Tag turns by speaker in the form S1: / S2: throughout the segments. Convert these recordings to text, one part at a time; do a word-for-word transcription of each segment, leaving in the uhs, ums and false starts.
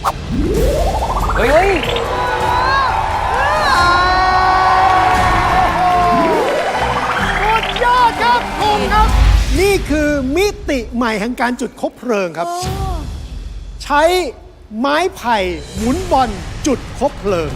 S1: เฮ้ย
S2: สุดยอดครับพงษ์ครับ นี่คือมิติใหม่แห่งการจุดคบเพลิงครับ ใช้ไม้ไผ่หมุนบอลจุดคบเพลิง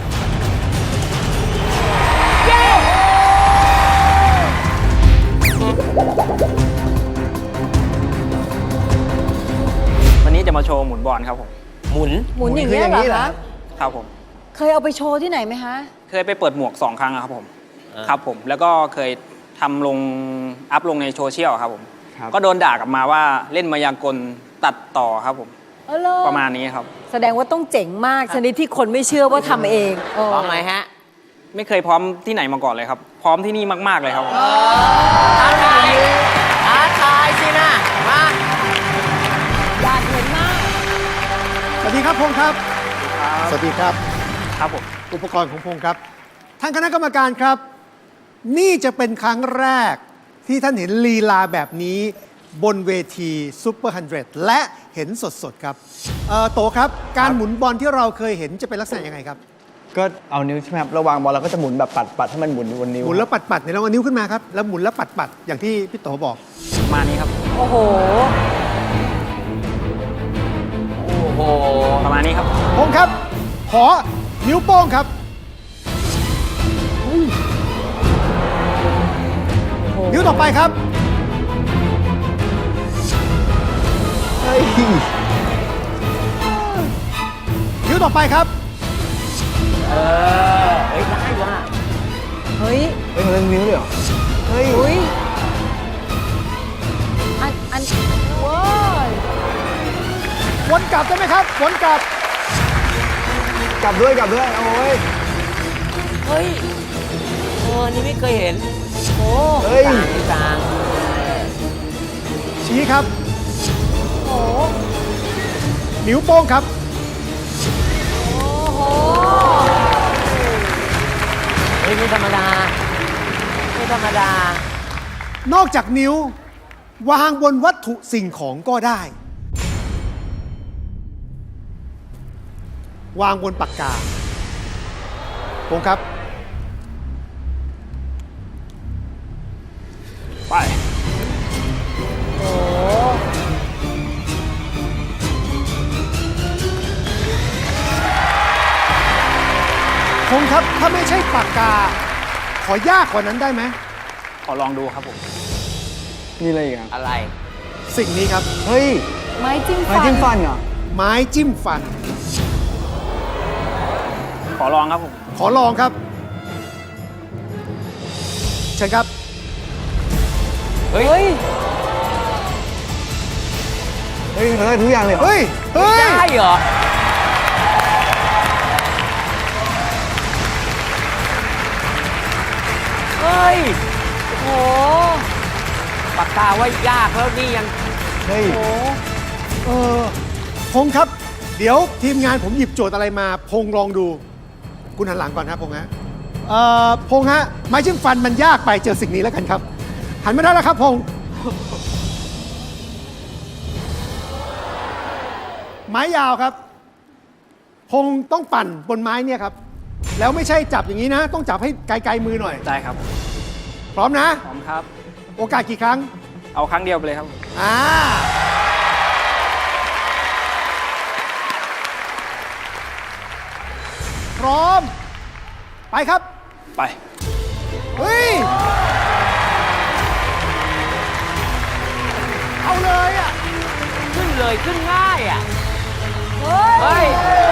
S3: วันนี้จะมาโชว์หมุนบอลครับผม
S1: หมุน
S4: หมุนอย่างนี้ยเหรอคะ
S3: ครับผม
S4: เคยเอาไปโชว์ที่ไหนไหมคะ
S3: เคยไปเปิดหมวกสองครั้งอะครับผมครับผมแล้วก็เคยทำลงอัพลงในโซเชียลครับผมก็โดนด่ากลับมาว่าเล่นมายากลตัดต่อครับผม
S4: เออเหรอ
S3: ประมาณนี้ครับ
S4: แสดงว่าต้องเจ๋งมากชนิดที่คนไม่เชื่อว่าทำเองเออ
S1: พร้อมไหมฮะ
S3: ไม่เคยพร้อมที่ไหนมาก่อนเลยครับ พร้อมที่นี่มาก ๆเลยครับ
S1: ท้าทายท้าทายสินะ มา
S4: อยากเห็นมาก
S2: สวัสดีครับพงษ์ครับ สวัสดีครับ
S3: ครับผม
S2: อุปกรณ์ของพงษ์ครับ ท่านคณะกรรมการครับ นี่จะเป็นครั้งแรกที่ท่านเห็นลีลาแบบนี้บนเวทีซูเปอร์ฮันเดรดและเห็นสดๆครับเอ่อโตครับ การหมุนบอลที่เราเคยเห็นจะเป็นลักษณะยังไงครับ
S5: ก็เอานิ้วใช่ไหมครับระวางบอลเราก็จะหมุนแบบปัดปัดให้มันหมุนบนนิ้ว
S2: หมุนแล้วปัดๆเนี่ยเราเอานิ้วขึ้นมาครับแล้วหมุนแล้วปัดๆอย่างที่พี่โตบอก
S3: ประมาณนี้ครับ
S4: โอ้โห
S1: โอ้โห
S3: ประมาณนี้ครับ
S2: พงษ์ครับ ขอนิ้วโป้งครับ นิ้วต่อไปครับ
S5: เฮ้ย
S2: นิ้วต่อไปครับ
S1: เออ เฮ้ย ได้ว่ะ
S4: เฮ้ย
S5: เฮ้ยเขาเล่นนิ้วเลยเหรอ เฮ้ย
S4: อุ้ยอันอันว้าย
S2: วนกลับได้ไหมครับ วนกลับ
S5: กลับด้วยกลับด้วย โอ้ย
S1: เฮ้ยเออนี่ไม่เคยเห็น
S4: โอ้
S5: เฮ้ย
S1: กลางนี่กลาง
S2: ชี้ครับ
S4: โห
S2: นิ้วโป้งครับ
S4: โอ้โห
S1: เฮ้ยไม่ธรรมดา ไม่ธรรมดา
S2: นอกจากนิ้ว วางบนวัตถุสิ่งของก็ได้ วางบนปากกาพงษ์ครับ
S3: ไป
S4: โอ้
S2: พงษ์ครับ ถ้าไม่ใช่ปากกา ขอยากกว่านั้นได้ไหม
S3: ขอลองดูครับผม
S5: นี่อะไรอีกอ่ะ
S1: อะไร
S2: สิ่งนี้ครับ
S5: เฮ้ย
S4: ไม้จิ้ม
S5: ไม้
S4: ฟัน
S5: จิ้มฟันเหรอ
S2: ไม้จิ้มฟัน
S3: ขอลองครับผม
S2: ขอลองครับ เชิญครับ
S4: เฮ้ย
S5: เฮ้ยเขาได้ทุกอย่างเลยเหรอ
S2: เฮ้ย เฮ้ย
S1: ได้เหรอ เฮ้ย
S4: โอ้โห
S1: ปากกาว่ายากแล้วนี่ยัง
S5: เฮ้ย
S4: โอ้โห
S2: เออพงษ์ครับ เดี๋ยวทีมงานผมหยิบโจทย์อะไรมา พงษ์ลองดู คุณหันหลังก่อนครับพงษ์ฮะเอ่อพงษ์ฮะ ไม้จิ้มฟันมันยากไปเจอสิ่งนี้แล้วกันครับ หันมาได้แล้วครับพงษ์ไม้ยาวครับ พงษ์ต้องปั่นบนไม้เนี่ยครับ แล้วไม่ใช่จับอย่างนี้นะ ต้องจับให้ไกลๆมือหน่อย
S3: ได้ครับ
S2: พร้อมนะ
S3: พร้อมครับ
S2: โอกาสกี่ครั้ง
S3: เอาครั้งเดียวไปเลยครับ
S2: อ่า พร้อม ไปครับ
S3: ไป
S2: เฮ้ย เอาเลยอ่ะ
S1: ขึ้นเลยขึ้นง่ายอ่ะ
S4: เฮ้ย
S1: เฮ้ย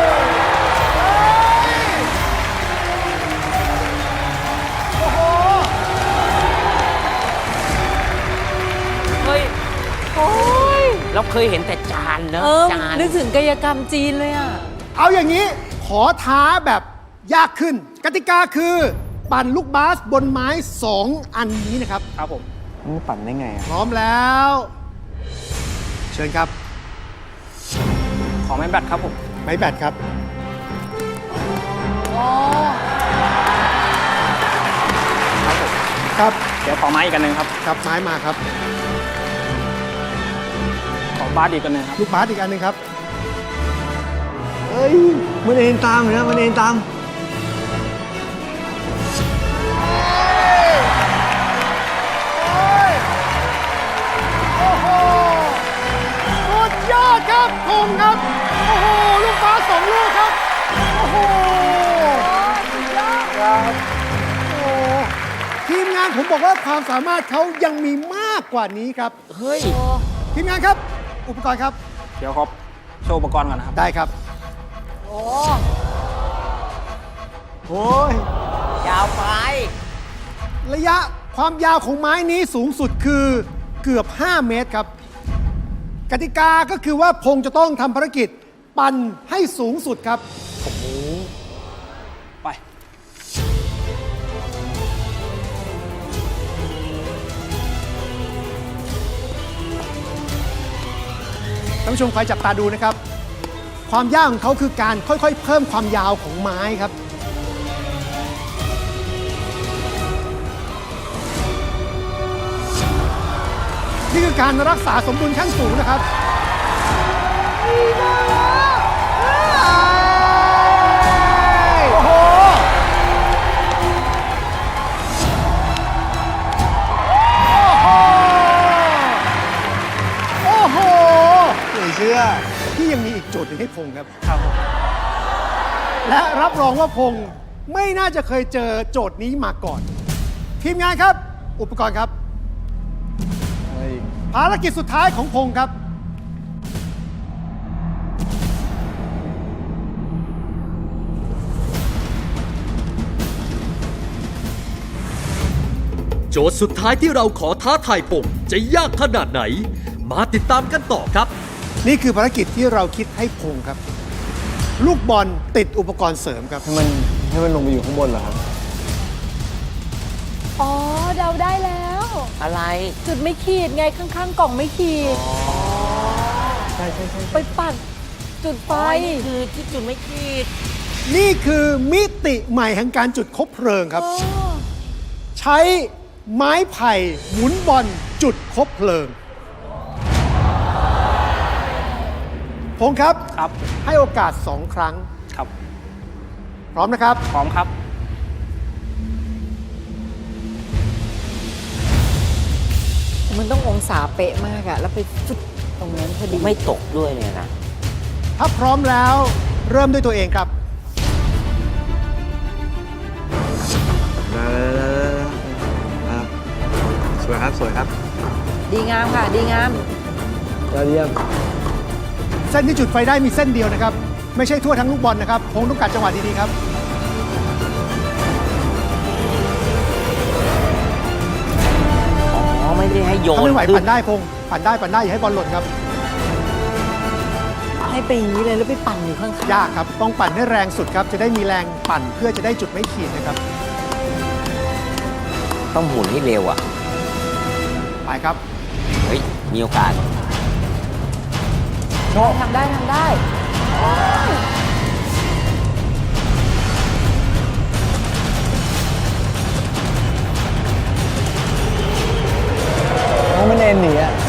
S2: โอ้โห
S1: เฮ้ย
S4: โอ้ย
S1: เราเคยเห็นแต่จานเนอะ
S4: เออ
S1: จาน
S4: นึกถึงกายกรรมจีนเลยอ่ะ
S2: เอาอย่างนี้ ขอท้าแบบยากขึ้น กติกาคือ ปั่นลูกบาสบนไม้สองอันนี้นะครับ
S3: ครับผม
S5: มันปั่นได้ไงอ่ะ
S2: พร้อมแล้ว เชิญครับ
S3: ขอไม้แบตครับผม
S2: ไม้แบตครับ
S4: อ๋อ
S2: ครับ
S3: เดี๋ยวขอไม้อีกอันหนึ่งครับ
S2: ครับไม้มาครับ
S3: ขอบาสอีกอันหนึ่งครับ
S2: ลูกบาสอีกอันหนึ่งครับ
S5: เฮ้ยมันเอ็นตามนะมันเอ็นตาม
S2: โอ้โหสุดยอดครับพงษ์ครับ โอ้โห ลูกฟ้าสองลูกครับ โอ้โหสุดยอดครับโอ้โหทีมงานผมบอกว่าความสามารถเขายังมีมากกว่านี้ครับ
S1: เฮ้ย
S2: ทีมงานครับ อุปกรณ์ครับ
S3: เดี๋ยวครับโชว์อุปกรณ์ก่อนนะครับ
S2: ได้ครับ
S1: โอ้
S2: โอ้ย
S1: ยาวไป
S2: ระยะความยาวของไม้นี้สูงสุดคือเกือบ ห้า เมตรครับ กติกาก็คือว่าพงษ์จะต้องทำภารกิจ ปั่นให้สูงสุดครับ
S3: ไป
S2: ท่านผู้ชมคอยจับตาดูนะครับ ความยากของเขาคือการค่อยๆ เพิ่มความยาวของไม้ครับ นี่คือการรักษาสมดุลขั้นสูงนะครับ โอ้โห โอ้โห
S5: ไม่เชื่อ
S2: ที่ยังมีอีกโจทย์หนึ่งให้พงษ์ครับ ครับและรับรองว่าพงษ์ไม่น่าจะเคยเจอโจทย์นี้มาก่อน ทีมงานครับ อุปกรณ์ครับ ภารกิจสุดท้ายของพงษ์ครับ
S6: โจทย์สุดท้ายที่เราขอท้าทายพงษ์จะยากขนาดไหน มาติดตามกันต่อครับ
S2: นี่คือภารกิจที่เราคิดให้พงษ์ครับ ลูกบอลติดอุปกรณ์เสริมครับ
S5: ให้มันให้มันลงไปอยู่ข้างบนเหรอครับ
S4: อ๋อเดาได้แล้ว
S1: อะไร
S4: จุดไม่ขีดไงข้างๆ กล่องไม่ขีด
S5: ใช่ใช่ใช่
S4: ไปปัดจุดไฟ
S1: ไฟนี่คือที่จุดไม่ขีด
S2: นี่คือมิติใหม่แห่งการจุดคบเพลิงครับ ใช้ไม้ไผ่หมุนบอลจุดคบเพลิง พงษ์ครับ
S3: ครับ
S2: ให้โอกาสสองครั้ง
S3: ครับ
S2: พร้อมนะครับ
S3: พร้อมครับ
S4: มันต้ององศาเป๊ะมากอะแล้วไปจุดตรงนั้นพอดี
S1: ไม่ตกด้วยเนี่ยนะ
S2: ถ้าพร้อมแล้วเริ่มด้วยตัวเองครับ
S5: สวยครับ สวยครับ
S4: ดีงามค่ะ ดีงาม
S5: ยอดเยี่ยม
S2: เส้นที่จุดไฟได้มีเส้นเดียวนะครับ ไม่ใช่ทั่วทั้งลูกบอลนะครับ พงษ์ต้องการจังหวะดีๆครับ
S1: อ๋อ ไม่ได้ให้โย
S2: ถ้าน ไม่ไหว
S1: ขึ้
S2: ปั่นได้พงษ์ปั่นได้ปั่นได้อย่าให้บอลหล่นครับ
S4: ให้ไปอย่างนี้เลยแล้วไปปั่นอยู่ข้างๆ
S2: ยากครับ ต้องปั่นให้แรงสุดครับ จะได้มีแรงปั่นเพื่อจะได้จุดไม่ขีดนะครับ
S1: ต้องหมุนให้เร็วอ่ะ
S2: ไปครับ
S1: เฮ้ย มีโอกาส
S4: ทำได้ทำได้
S5: น้องมันเอ็นหนีอ่ะ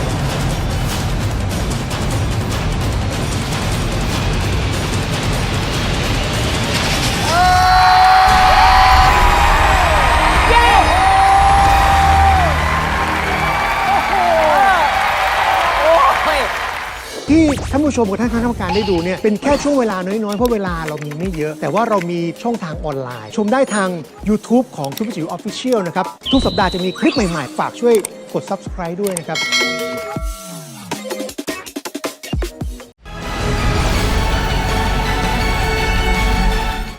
S2: ที่ท่านผู้ชมกับท่านคณะกรรมการได้ดูเนี่ยเป็นแค่ช่วงเวลาน้อยๆ เพราะเวลาเรามีไม่เยอะ แต่ว่าเรามีช่องทางออนไลน์ ชมได้ทาง YouTube ของทุกจิ๋วออฟฟิเชียลนะครับ ทุกสัปดาห์จะมีคลิปใหม่ๆ ฝากช่วยกด Subscribe ด้วยนะครับ